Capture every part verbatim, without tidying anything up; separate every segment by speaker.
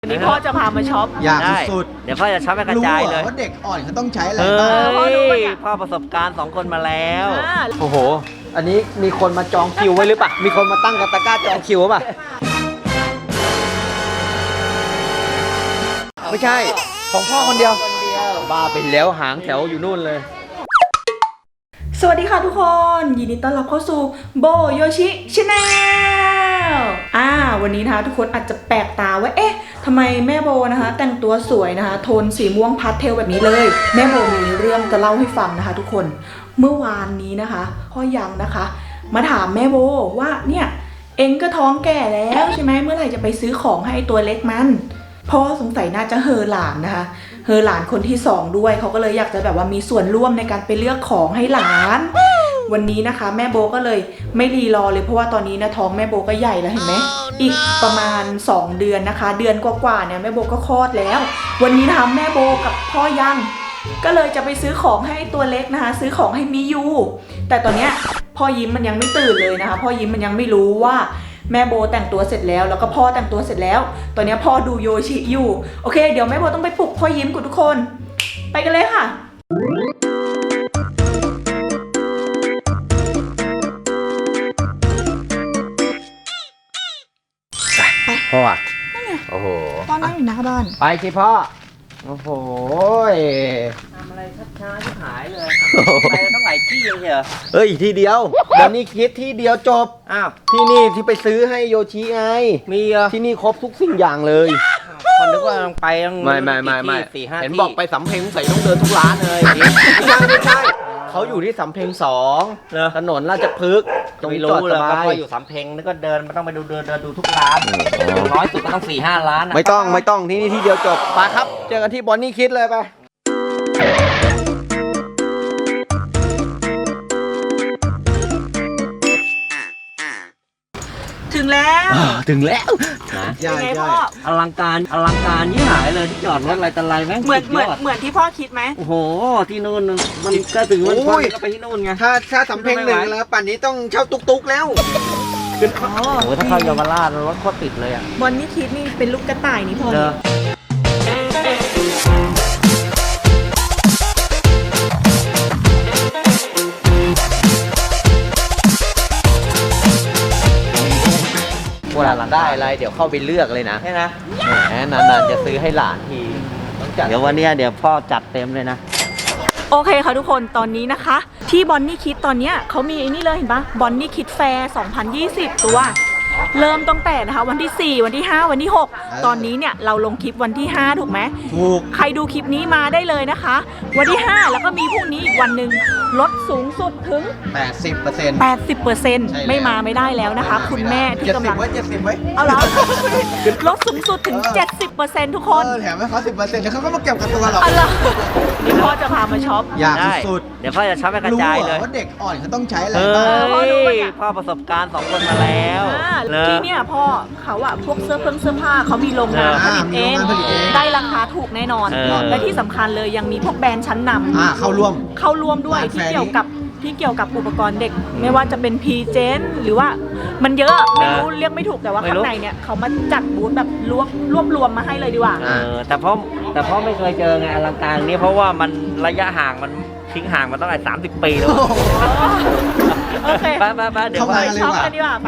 Speaker 1: วันนี้พ่อจะพามาช็อป
Speaker 2: อยาก
Speaker 3: ได้
Speaker 2: สุด
Speaker 3: เดี๋ยวพ่อจะช็อปให้กระ
Speaker 2: รู้
Speaker 3: จาย
Speaker 2: เห
Speaker 3: เล
Speaker 2: รอย ว่าเด็กอ่อนเขาต้องใช้อะไร
Speaker 3: เฮ้
Speaker 2: บ้าง
Speaker 1: พ่อรู้ปะ
Speaker 3: ย
Speaker 1: เนี่ย
Speaker 3: พ่อประสบการณ์สองคนมาแล้ว
Speaker 1: อ่า
Speaker 2: โอ้โห อันนี้มีคนมาจองคิวไว้หรือเปล่ามีคนมาตั้งกระตะกร้าจองคิวป่ะไม่ใช่ของพ่อคนเดียวบ้าไปแล้วหางแถวอยู่นู่นเลย
Speaker 1: สวัสดีค่ะทุกคน ยินดีต้อนรับเข้าสู่โบโยชิชาแนลอ่าวันนี้นะคะทุกคนอาจจะแปลกตาว่าเอ๊ะทำไมแม่โบนะคะ แต่งตัวสวยนะคะ โทนสีม่วงพาสเทลแบบนี้เลย แม่โบมีเรื่องจะเล่าให้ฟังนะคะ ทุกคนเมื่อวานนี้นะคะพ่อยังนะคะ มาถามแม่โบว่าเนี่ยเอ็งก็ท้องแก่แล้วใช่ไหมเมื่อไหร่จะไปซื้อของให้ตัวเล็กมันพ่อสงสัยน่าจะเฮอหลานนะคะเฮอหลานคนที่สองด้วยเขาก็เลยอยากจะแบบว่ามีส่วนร่วมในการไปเลือกของให้หลานวันนี้นะคะแม่โบก็เลยไม่รีรอเลยเพราะว่าตอนนี้นะท้องแม่โบก็ใหญ่แล้วเห็นไหมอีกประมาณสองเดือนนะคะเดือนกว่าๆเนี่ยแม่โบก็คลอดแล้ววันนี้นะคะแม่โบกับพ่อยังก็เลยจะไปซื้อของให้ตัวเล็กนะคะซื้อของให้มิยูแต่ตอนเนี้ยพ่อยิ้มมันยังไม่ตื่นเลยนะคะพ่อยิ้มมันยังไม่รู้ว่าแม่โบแต่งตัวเสร็จแล้วแล้วก็พ่อแต่งตัวเสร็จแล้วตอนนี้พ่อดูโยชิอยู่โอเคเดี๋ยวแม่โบต้องไปปลุกพ่อยิ้มกับทุกคนไปกันเลยค่ะ
Speaker 2: พ่อโอ้โห
Speaker 1: พ่อนั่งอยู่หน้าบ้าน
Speaker 2: ไปสิพ่อโอ้โห
Speaker 3: ทำอะไรช้าๆที่หายเลยไปต้องหลายที่เลยเหรอ
Speaker 2: เฮ้ยทีเดียวเดี๋ยวนี้คิดที่เดียวจบ
Speaker 3: อ้าว
Speaker 2: ที่นี่ที่ไปซื้อให้โยชิไง
Speaker 3: มีเหรอ
Speaker 2: ที่นี่ครบทุกสิ่งอย่างเลย
Speaker 3: คนนึกว่าต้องไปต้อง
Speaker 2: ไม่ไม่ไม่ไม่
Speaker 3: กี่ที่สี่ห้า
Speaker 2: เห็น
Speaker 3: ที่
Speaker 2: บอกไปสำเพ็งใส่ต้องเดินทุกร้านเลยไม่ใช่ไม่ใช่เขาอยู่ที่สำเพ็งสอง
Speaker 3: เหรอ
Speaker 2: ถนนราชพฤกษ์ตรง
Speaker 3: ไม่
Speaker 2: นี้จอ
Speaker 3: รู้
Speaker 2: ด
Speaker 3: เล
Speaker 2: ส
Speaker 3: ย
Speaker 2: บา
Speaker 3: ก็
Speaker 2: ย
Speaker 3: พออยู่สำเพ็งแล้วก็เดินมันต้องไปดูเดินเดินดูทุกร้านน้อยสุดก็ต้องสี่ห้าร้านนะ
Speaker 2: ไม่ต้องไม่ต้องที่นี่ที่เดียวจบไปครับ เจอกันที่บอนนี่คิดเลยไป
Speaker 1: ถึงแล้ว
Speaker 2: ถึงแล้ว
Speaker 3: นะ
Speaker 1: เป็นไงพ่อ
Speaker 3: อลังการอลังการยิ่งหายเลยที่จอดรถอะไรต่ออะไรแม่ง
Speaker 1: เหมือน
Speaker 3: สุด
Speaker 1: เหมือน
Speaker 3: ยด
Speaker 1: เหมือนที่พ่อคิดไหม
Speaker 3: โอ้โหที่นู่นมันก็ถึงวันพ่อก็ไปที่นู่นไง
Speaker 2: ถ้าถ้าสำเพ็งหนึ่งแล้วป่านนี้ต้องเช่าตุกตุกแล้ว
Speaker 1: อ๋อ
Speaker 3: โอ้โหถ้าเข้าเยาวราชรถโคตรติดเลยอ่ะ
Speaker 1: บอลนี่คิดนี่เป็นลูกกระต่ายนี่พ่อ
Speaker 3: เด้อ
Speaker 2: เวลาได้อะไรเดี๋ยวเข้าไปเลือกเลยนะ
Speaker 3: ใช่นะ
Speaker 2: แหมนานๆจะซื้อให้หลานทีต้องจัด
Speaker 3: เดี๋ยววันเนี้ยเดี๋ยวพ่อจัดเต็มเลยนะ
Speaker 1: โอเคค่ะทุกคนตอนนี้นะคะ ที่บอนนี่คิดตอนเนี้ยเขามีไอ้นี่เลยเห็นปะบอนนี่คิดแฟร์สองพันยี่สิบตัว เริ่มตั้งแต่นะคะวันที่สี่วันที่ห้าวันที่หกตอนนี้เนี่ยเราลงคลิปวันที่ห้าถูกไหม
Speaker 2: ถูก
Speaker 1: ใครดูคลิปนี้มาได้เลยนะคะ วันที่ห้าแล้วก็มีพรุ่งนี้อีกวันหนึ่งลดสูงสุดถึง
Speaker 2: แปดสิบเปอร์เซ็นต์
Speaker 1: แปดสิบเปอร์เซ็นต์
Speaker 2: ใช่แล้ว
Speaker 1: ไม่มาไม่ได้แล้วนะคะ คุณแม่ที่
Speaker 2: เจ็ด
Speaker 1: กำ
Speaker 2: สิ
Speaker 1: ลั
Speaker 2: บ
Speaker 1: ง
Speaker 2: ไว้เจ็ดสิบไว้
Speaker 1: เอาแล้วลดสูงสุดถึง เจ็ดสิบเปอร์เซ็นต์ ทุกคน
Speaker 2: เออแถมให้เขาสิบเปอร์เซ็นต์แล้วเขาก็มาเก็บกับตัวหรอก
Speaker 1: เอาล่ะนี่พ่อจะพามาช็อป
Speaker 2: อยาก
Speaker 3: ได้
Speaker 2: สุด
Speaker 3: เดี๋ยวพ่อจะช็อปให้กระ
Speaker 2: รู้
Speaker 3: จาย
Speaker 2: เหร
Speaker 3: เล
Speaker 2: อย ว่าเด็กอ่อนเขาต้องใช้อะไร
Speaker 3: เฮ้
Speaker 2: บ้าง
Speaker 1: พ่อรู้ปะ
Speaker 3: ย
Speaker 1: เนี่ย
Speaker 3: พ่อประสบการณ์สองคนมาแล้ว
Speaker 1: อ่า
Speaker 3: เนอะ
Speaker 1: ที่เนี่ยพ่อเขาอะพวกเสื้อเพิ่งเสื้อผ้าเขามีโรงงานผ
Speaker 2: อ่า
Speaker 1: ลิต
Speaker 2: มี
Speaker 1: เอ
Speaker 2: โรง
Speaker 1: ง
Speaker 2: งานผลิตเอง
Speaker 1: ได้ราคาถูกแน่นอน
Speaker 3: เออ
Speaker 1: และที่สำคัญเลยยังมีพวกแบรนด์ชั้นน
Speaker 2: อ่าเข้าร่วม
Speaker 1: ำเข้าร่วมด้วย
Speaker 2: ร้าน
Speaker 1: ที่
Speaker 2: แฟร์
Speaker 1: เกี่ยวกับที่เกี่ยวกับอุปกรณ์เด็ก ไม่ว่าจะเป็นพีเจนหรือว่ามันเยอะไม่รู้เรียกไม่ถูกแต่ว่า
Speaker 3: ไม่
Speaker 1: ข้า
Speaker 3: รู้
Speaker 1: งในเนี่ยเขามาจัดบูธแบบรวบรวบรวมมาให้เลยดีกว่า
Speaker 3: เออแต่พ่อแต่พ่อไม่เคยเจอไงอลังการนี้เพราะว่ามันระยะห่างมันทิ้งห่างมาตั้งแต่สามสิบปีแล้ว
Speaker 1: โอเค
Speaker 3: ไปไปไปเดี๋ยว
Speaker 2: เข้า
Speaker 3: ไป
Speaker 2: มา
Speaker 1: ไปช็อปกันดีกว่าไป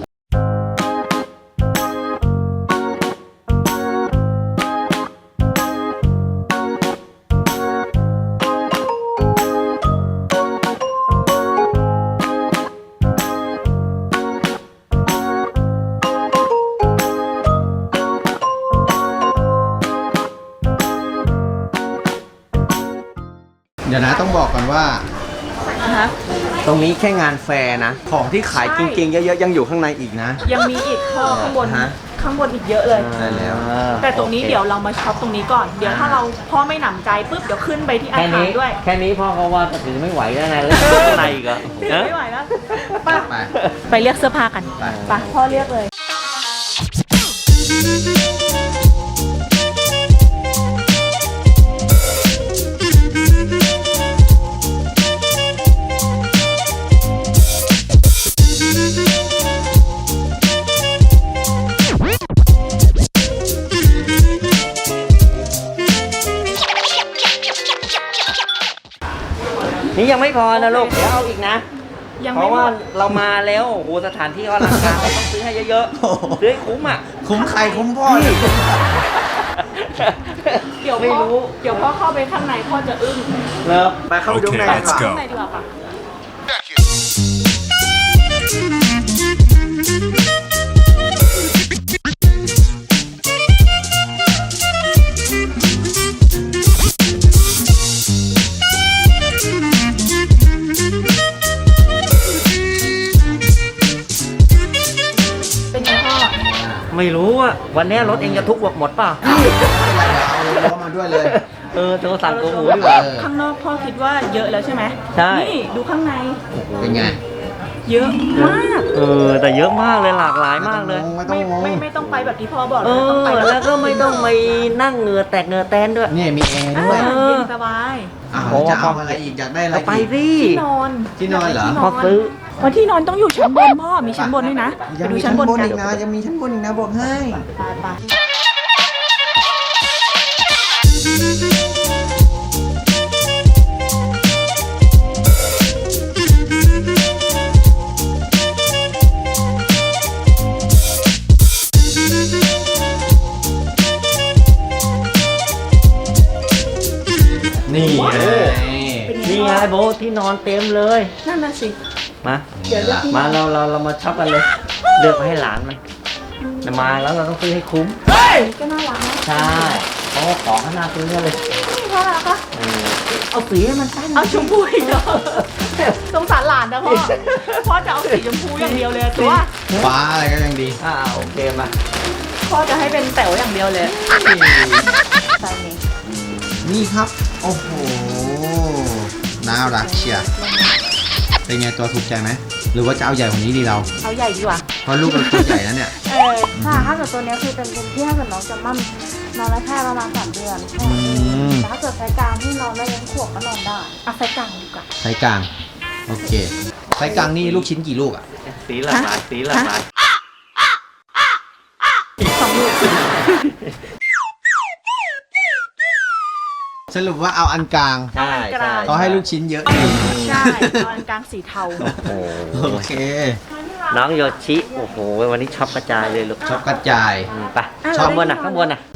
Speaker 2: เดี๋ยวนะต้องบอกก่อนว่า
Speaker 1: นะคะ
Speaker 2: ตรงนี้แค่งานแฟร์นะ ของที่ขายจริงๆ เยอะๆ ยังอยู่ข้างในอีกนะ
Speaker 1: ยังมีอีกข้อข้างบน
Speaker 2: ฮะ
Speaker 1: ข้างบนอีกเยอะเลย
Speaker 2: ใช่แล้ว
Speaker 1: แต่ตรงนี้เดี๋ยวเรามาช็อปตรงนี้ก่อน เดี๋ยวถ้าเราพ่อไม่หนำใจปุ๊บเดี๋ยวขึ้นไปที่อา
Speaker 3: แค่
Speaker 1: คาร
Speaker 3: นี้
Speaker 1: ด้วย
Speaker 3: แค่นี้พ่อเขาว่าก็ถือไม่ไหวแล้วไงแล้วข้างในอีกเหรอ
Speaker 1: ถือ
Speaker 3: เนอะ
Speaker 1: ไม่ไหวแล้วไป
Speaker 2: ไป
Speaker 1: ไปเรียกเสื้อผ้ากัน
Speaker 2: ไป
Speaker 1: ไปพ่อเรียกเลย
Speaker 3: นี่ยังไม่พอนะลูกเดี๋ยวเอาอีกนะ
Speaker 1: ยัง
Speaker 3: เพ
Speaker 1: ไม่
Speaker 3: ราะ
Speaker 1: หม
Speaker 3: ว่า
Speaker 1: ด
Speaker 3: เรามาแล้วโอ้โหสถานที่ก็อลังการเราต้องซื้อให้เยอะๆซื้อให้คุ้มอ่ะ
Speaker 2: คุ้มใครคุ้มพ่อเลย
Speaker 1: เดี๋ยว
Speaker 3: ไม่
Speaker 1: พ่อ
Speaker 3: รู้
Speaker 1: เดี๋ยวพ่อเข้าไปข้างในพ่อจะอึ้ง
Speaker 3: เลิก
Speaker 2: ไปเข้าไปดูข้างใน
Speaker 4: Okay,
Speaker 2: ดีก
Speaker 4: let's
Speaker 2: ว่า
Speaker 4: go.
Speaker 1: ข้างในดีกว่าค่ะ เป็นไงพ่อ
Speaker 3: ไม่รู้อ่ะวันนี้รถเองจะทุกข์หมดเปล่ะ
Speaker 2: เอาล้อมาด้วยเลย
Speaker 3: เออโทรสั่งตัวหมูดีกว่า
Speaker 2: เออ
Speaker 1: ข้างนอกพ่อคิดว่าเยอะแล้วใช่ไหม
Speaker 3: ใช่
Speaker 1: นี่ดูข้างใน
Speaker 2: เป็นไง
Speaker 1: เยอะมาก
Speaker 3: เออแต่เยอะมากเลยหลากหลายมากเลย
Speaker 2: ไม่ต้อ
Speaker 1: ไม่
Speaker 2: งงง
Speaker 1: ไม่ไม่ต้องไปแบบที่พ่อบอก
Speaker 3: เอ
Speaker 1: เลยต้อง
Speaker 3: อ
Speaker 1: ไปบบ
Speaker 3: แล้วก็ไม่ต้องไปนั่งเหงื่อแตกเหงื่อแตนด้วย
Speaker 2: นี่มีแอร์
Speaker 1: อ่า
Speaker 2: ด้วย
Speaker 3: เออ
Speaker 1: เย็นสบาย
Speaker 2: อ้าว
Speaker 3: โอ้
Speaker 2: จะเอาอะไรอีกอยากได้อะไร
Speaker 3: ก็ไป
Speaker 2: อีก
Speaker 3: สิ
Speaker 1: ที่นอน
Speaker 2: ที่นอนเหรอ
Speaker 1: ที่
Speaker 3: พอซื้อ
Speaker 1: เพราะที่นอนต้องอยู่ชั้นบนพ่อมีชั้นบนด้วยนะไป
Speaker 2: ยัง
Speaker 1: ดู
Speaker 2: มี
Speaker 1: ชั้
Speaker 2: ชั้
Speaker 1: น
Speaker 2: น
Speaker 1: บบ น
Speaker 2: น
Speaker 1: กัน
Speaker 2: อีกนะยังมีชั้นบนอีกนะบอกให้
Speaker 1: ไปไป
Speaker 2: นี่ไง
Speaker 1: เป็นไง
Speaker 3: นี่ไง
Speaker 1: พ่อ
Speaker 3: โบทที่นอนเต็มเลย
Speaker 1: นั่นน่ะสิ
Speaker 3: มา
Speaker 1: เดี๋ยวเลือกที่น
Speaker 3: มา
Speaker 1: อน
Speaker 3: เราเราเรามาช็อปกันเลย เลือกมาให้หลานมันแต่มาแล้วเราต้องซื้อให้คุ้ม
Speaker 1: ก็น่ารักนะ
Speaker 3: ใช่เพราะว่าของข้างหน้าซื้อเนี่ยเลย
Speaker 1: น่ารักปะ
Speaker 3: เออเอาสีให้มันตั้ง
Speaker 1: เอาชมพูอีกเหรอสงสารหลานนะพ่อพ่อจะเอาสีชมพูอย่างเดียวเลยตัว
Speaker 2: ฟ้าอะไรก็ยังดี
Speaker 3: อ่าโอเคมา
Speaker 1: พ่อจะให้เป็นแต๋วอย่างเดียวเลยใช่นี้
Speaker 2: นี่ครับ โอ้โห น่ารักเชียร์เป็นไงตัวถูกใจไหม หรือว่าจะเอาใหญ่กว่านี้ดีเรา
Speaker 1: เอาใหญ่ดีกว่า
Speaker 2: เพราะลูกเราตัวใหญ่นะเนี่ย
Speaker 1: เออ
Speaker 5: ถ้าถ้าเกิดตัวเนี้ยคือเป็นเป็นที่ถ้าเกิดน้องจะมั่นนอนได้แค่ประมาณสามเดือนแค่นั้นเอง
Speaker 2: อืม
Speaker 5: แต่ถ้าเกิดไซส์กลางที่นอนได้ยังขวบก็นอนได้
Speaker 1: เอาไซส์กลางดีกว่า
Speaker 2: ไซส์กลาง โอเค ไซส์กลางนี่ลูกชิ้นกี่ลูกอ่ะ
Speaker 3: สีหลากหลายสีหลากหลาย
Speaker 1: สองลูก
Speaker 2: สรุปว่าเอาอันกลาง
Speaker 3: ใช่ใช่
Speaker 2: เขาให้ลูกชิ้นเยอะ
Speaker 1: ใช่ตอนกลางสีเทา
Speaker 3: โอ้โห
Speaker 2: โอเค
Speaker 3: น้องโยชิโอ้โหวันนี้ช็อปกระจายเลยลูก
Speaker 2: ชอบกระจาย
Speaker 3: อืมไปข้างบนน่ะข้างบนน่ะ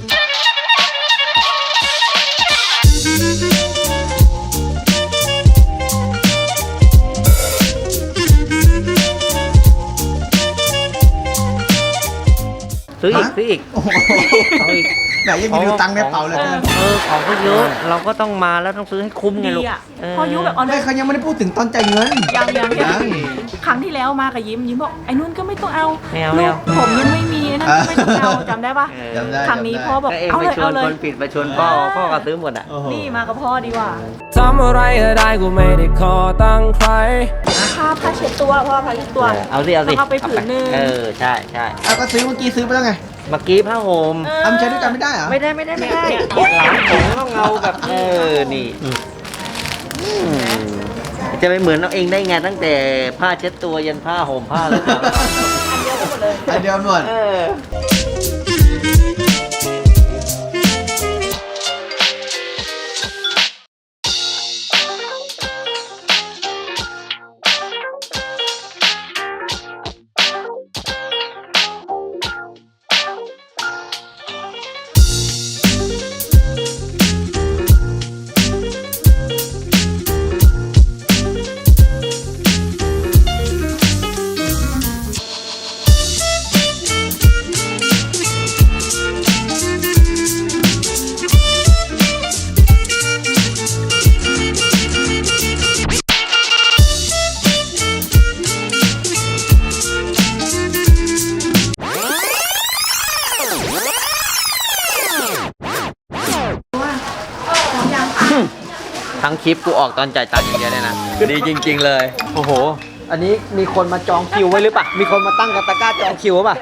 Speaker 3: ซื้ออีก
Speaker 2: ฮะ
Speaker 3: ซื้ออีก
Speaker 2: โอ้โห
Speaker 3: เอาอีก
Speaker 2: ไหนยังมีดูตังค์ในเป๋าเลย
Speaker 3: เออเออของก็เยอะเราก็ต้องมาแล้วต้องซื้อให้คุ้มไง
Speaker 1: ดี
Speaker 3: ลูก
Speaker 1: อ่ะ
Speaker 3: เออ
Speaker 1: พอยุแบบเอาเล
Speaker 2: ไม่
Speaker 1: ย
Speaker 2: เขายังไม่ได้พูดถึงตอนจ่ายเงิน
Speaker 1: ยังยังยั
Speaker 2: ยัง ง
Speaker 1: ครั้งที่แล้วมากับยิ้มยิ้มบอกไอ้นุ่นก็ไม่ต้องเอา
Speaker 3: ไม่เอา
Speaker 1: ลู
Speaker 3: ไม่
Speaker 1: ก
Speaker 3: เอา
Speaker 1: ผมยังไม่มีนั่นก็ไม่ต้องเอาจำได้ปะ
Speaker 3: เออ
Speaker 2: จำได้
Speaker 1: ครั้งนี้พ่อบอก
Speaker 3: ก็เอง
Speaker 1: เอา
Speaker 3: ไป
Speaker 1: เลย
Speaker 3: ชว
Speaker 1: เอา
Speaker 3: น
Speaker 1: เลย
Speaker 3: คนผิดไปชวนพ่อพ่อก็ซื้อหมดอ่ะ
Speaker 2: โอ้โห
Speaker 1: นี่มากับพ่อดีกว่า
Speaker 6: ทำอะไรก็ได้กูไม่ได้ขอตั้งใคร
Speaker 1: ผ้าผ้าเช็ดตัวพ่อผ้าเช็ดตัว
Speaker 3: เออเอาสิเอาสิ
Speaker 1: ต้องเอาไปผืนหนึ่ง
Speaker 3: เออใช่ใช่
Speaker 2: เอาก็ซื้อเมื่อกี้ซื้อไปแล้วไง
Speaker 3: เมื่อกี้ผ้าห่ม
Speaker 1: เออ
Speaker 2: ทำใช้ด้วยกันไม่ได้เหรอ
Speaker 3: ไม่ได้ไม่ได้ไม่ได้หลานผมต้องเอาแบบเออนี่อืมจะไปเหมือนเอาเองได้ไงตั้งแต่ผ้าเช็ดตัวยันผ้าห่มผ้าเลยครับ
Speaker 1: อันเดียวกันหมดเลย
Speaker 2: อันเดียวหมด
Speaker 3: เออ ทั้งคลิปกูออกตอนจ่ายตังค์อย่างเดียวเลยนะ ดีจริง ๆ เลย โอ้โห อันนี้มีคนมาจองคิวไว้หรือเปล่า มีคนมาตั้งกบตะกร้าจองคิวป่ะ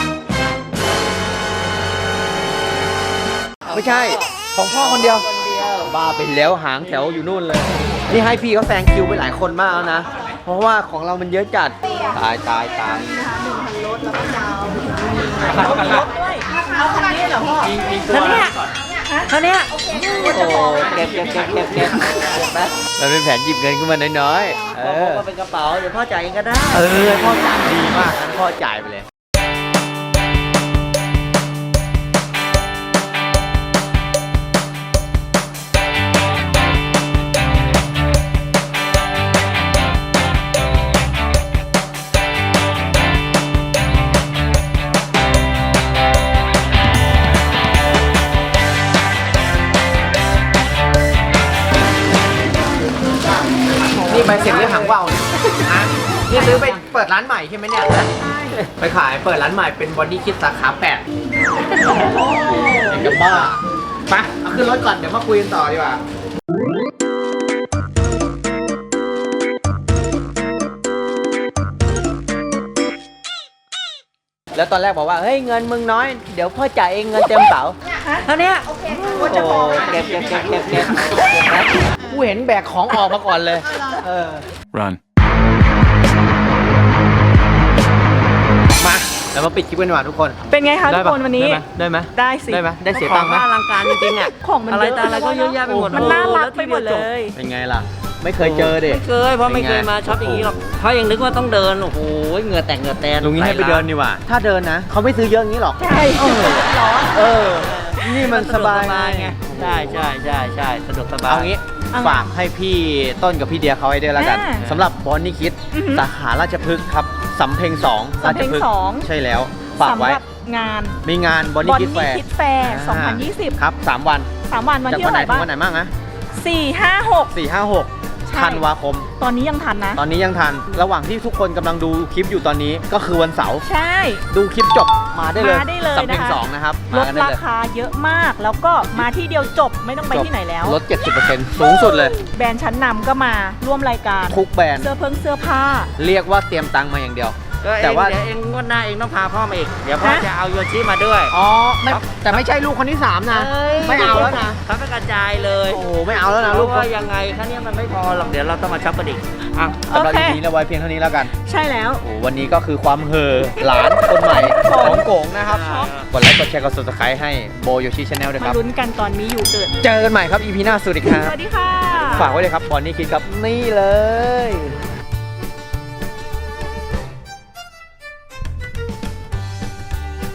Speaker 3: ไม่ใช่ ของพ่อคนเดียว บ้าไปแล้วหางแถวอยู่นู่นเลย นี่ให้พี่เขาแซงคิวไปหลายคนมากแล้วนะ เพราะว่าของเรามันเยอะจัด ตายตายตาย
Speaker 1: รถด้วยเอาคันนี้เหรอพ่อแล้วเนี่ย
Speaker 3: เท่านี้
Speaker 1: โอเค
Speaker 3: โอ้โหเก็บเก็บเก็บเก็บเก็บไปมันเป็นแผนหยิบเงินขึ้นมาน้อยๆเออเป็นกระเป๋าเดี๋ยวพ่อจ่ายเองก็ได้
Speaker 2: เออพ่อจ่ายดีมากงั้นพ่อจ่ายไปเลย นี่ใบเสร็จเรื่องหางว่าวเนี่ยฮะนี่ซื้อไปเปิดร้านใหม่ใช่ไหมเนี่ยฮะไปขายเปิดร้านใหม่เป็นบอดี้คิดสาขาแปดเด็กกับบ้าไปเอาขึ้นรถก่อนเดี๋ยวมาคุยกันต่อดีกว่า
Speaker 3: แล้วตอนแรกบอกว่าเฮ้ยเงินมึงน้อยเดี๋ยวพ่อจ่ายเองเงินเต็มเป๋าเท่านี้
Speaker 1: โอเค
Speaker 3: โอ้โหเก็บเก็บเก็บเก็บเก็บนะกูเห็นแบกของออกมาก่อนเลยเออ
Speaker 6: Run.
Speaker 2: มาเดี๋ยวมาปิดคลิปกันดีกว่าทุกคน
Speaker 1: เป็นไงคะทุกคนวันนี้
Speaker 2: ได้ไหม
Speaker 1: ได้สิ
Speaker 2: ได้ไหมได้เสียตังค์ไหม
Speaker 3: อลังการจริงๆอ่ะ
Speaker 1: ของมัน
Speaker 3: อะไร
Speaker 1: เยอะ
Speaker 3: ตาอะไรก็เยอะแยะไปหมด
Speaker 1: มันน่ารักไปหมดเลย
Speaker 2: เป็นไงล่ะ ไม่เคยเจอเด็
Speaker 3: ไม่เคยเพราะไม่เคยมาช็อปอย่างนี้หรอกเพราะยังนึกว่าต้องเดินโอ้โหเหงื่อแตกเหงื่อแตน
Speaker 2: ลุงนี้ให้ไปเดินดีกว่า ถ้าเดินนะ เขาไม่ซื้อเยอะอย่างนี้หรอก
Speaker 1: ใช่ร้อน
Speaker 2: เออ นี่มันสบาย
Speaker 3: ไงใช่ใช่ใช่ใช่สะดวกสบาย
Speaker 2: เอางี้ฝากให้พี่ต้นกับพี่เดียเขาให้ด้วยแล้วกันสำหรับบอนนี่คิดสาขาราชพฤกษ์ครับสำเพ็งสอง
Speaker 1: สำเพ็งสอง
Speaker 2: ใช่แล้วฝาก
Speaker 1: สำ
Speaker 2: ไว้
Speaker 1: หรับงาน
Speaker 2: มีงานบอน
Speaker 1: บ
Speaker 2: นี่
Speaker 1: อล
Speaker 2: คิดแฟ
Speaker 1: นี่
Speaker 2: ร์
Speaker 1: คิดแฟร์สองพันยี่สิบ
Speaker 2: ครับสามวัน
Speaker 1: สามวันวัน
Speaker 2: จาก
Speaker 1: ที่
Speaker 2: วัน
Speaker 1: เท่า
Speaker 2: ไห
Speaker 1: ไห
Speaker 2: น
Speaker 1: ร่
Speaker 2: ถึ
Speaker 1: บ้าง
Speaker 2: งวันไหนบ้างนะ
Speaker 1: สี่ห้าหก
Speaker 2: สี่ห้าหก
Speaker 1: ใช่
Speaker 2: ธันวาคม
Speaker 1: ตอนนี้ยังทันนะ
Speaker 2: ตอนนี้ยังทัน ระหว่างที่ทุกคนกำลังดูคลิปอยู่ตอนนี้ก็คือวันเสาร์
Speaker 1: ใช่
Speaker 2: ดูคลิปจบมาได้เลย
Speaker 1: มาได้เลย
Speaker 2: สำเพ็ง
Speaker 1: นะคะ
Speaker 2: สองนะครับ
Speaker 1: ล
Speaker 2: มา
Speaker 1: ด
Speaker 2: กันได้
Speaker 1: รา
Speaker 2: เลย
Speaker 1: คาเยอะมาก แล้วก็มาที่เดียวจบไม่ต้องไปที่ไหนแล้ว
Speaker 2: ลด เจ็ดสิบเปอร์เซ็นต์ สูงสุดเลย
Speaker 1: แบรนด์ชั้นนำก็มาร่วมรายการ
Speaker 2: ทุกแบรนด์
Speaker 1: เสื้อเพิ่งเสื้อผ้า
Speaker 2: เรียกว่าเตรียมตังค์มาอย่างเดียว
Speaker 3: ก็เอง
Speaker 2: แต่ว่า
Speaker 3: เดี๋ยวเองงวดหน้าเองต้องพาพ่อมาอีกเดี๋ยวพ่อ
Speaker 1: ฮะ
Speaker 3: จะเอาโยชิมาด้วย
Speaker 2: อ๋อไม่แต่ไม่ใช่ลูกคนที่สามนะ ไม่เอาแล้วนะ
Speaker 3: เขาไปกระจายเลย
Speaker 2: โอ้โหไม่เอาแล้วนะ
Speaker 3: เพ
Speaker 2: ลูก
Speaker 3: ราะว่ายังไงแค่นี้มันไม่พอหรอกเดี๋ยวเราต้องมาช็อปกันอีกอ่ะ
Speaker 2: สำหรับ
Speaker 1: โอเค
Speaker 2: ทีนี้เราไว้เพียงเท่านี้แล้วกัน
Speaker 1: ใช่แล้ว
Speaker 2: โอ้วันนี้ก็คือความเห่อหลานคนใหม่ของโกงนะครับกดไลค์กดแชร์กด ซับสไครบ์ให้โบโยชิชาแนลด้วยค
Speaker 1: มา
Speaker 2: รับ
Speaker 1: ลุ้นกันตอนมีอยู่เกิด
Speaker 2: เจอกันใหม่ครับ อีพีหน้าสวัสดีครั
Speaker 1: ส
Speaker 2: บ
Speaker 1: วัสดีค่ะ
Speaker 2: ฝากไว้เลยครับบอนนี่คิดครับนี่เลย